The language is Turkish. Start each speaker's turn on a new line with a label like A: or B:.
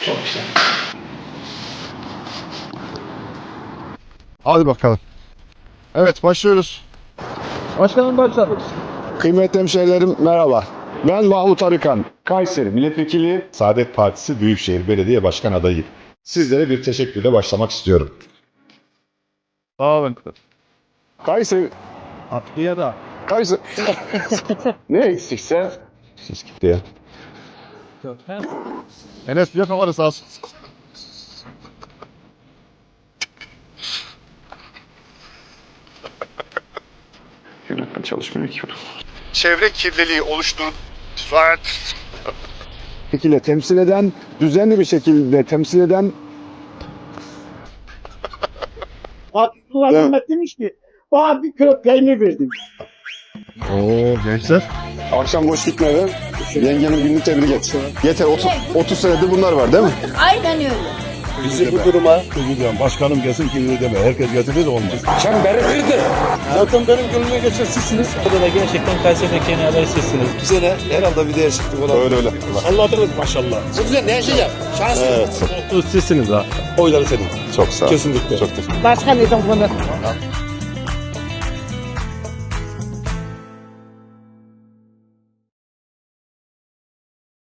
A: Çok güzel.
B: Hadi bakalım. Evet, başlıyoruz.
A: Başkanım başladık.
B: Kıymetli hemşehrilerim merhaba. Ben Mahmut Arıkan, Kayseri Milletvekili, Saadet Partisi Büyükşehir Belediye Başkan adayıyım. Sizlere bir teşekkürle başlamak istiyorum.
A: Sağ olun.
B: Kayseri...
A: Atlıya da.
B: Kayseri... Ne eksikse... Siz gitti ya. Enes bir kamerası sağ olsun.
C: Yönetmen çalışmıyor ki.
B: Çevre kirliliği oluşturan şekilde temsil eden, düzenli bir şekilde temsil eden
D: Abdullah
B: Evet.
D: Mehmet demiş ki bana bir kilo peynir verdim.
B: Oo gençler. Akşam boş gitmeden yengenin gününü tebrik et. Yeter 30 senedir bunlar var değil mi?
E: Aynen öyle.
F: Bizi bu duruma üzülüyorum. Başkanım gelsin ki deme. Herkes getirir de olmaz.
D: Zaten benim gönlüme geçen sizsiniz.
G: Burada da gerçekten Kayseri'deki en iyi aday sizsiniz.
F: Bu sene herhalde bir değişiklik olabilir.
B: Öyle öyle.
D: Anladınız maşallah. Bu güzel ne yaşayacak? Şans.
B: Evet.
G: Sizsiniz ha.
F: Oyları senin.
B: Çok sağ ol.
F: Kesinlikle.
B: Çok teşekkür ederim.
D: Başka neden bunu?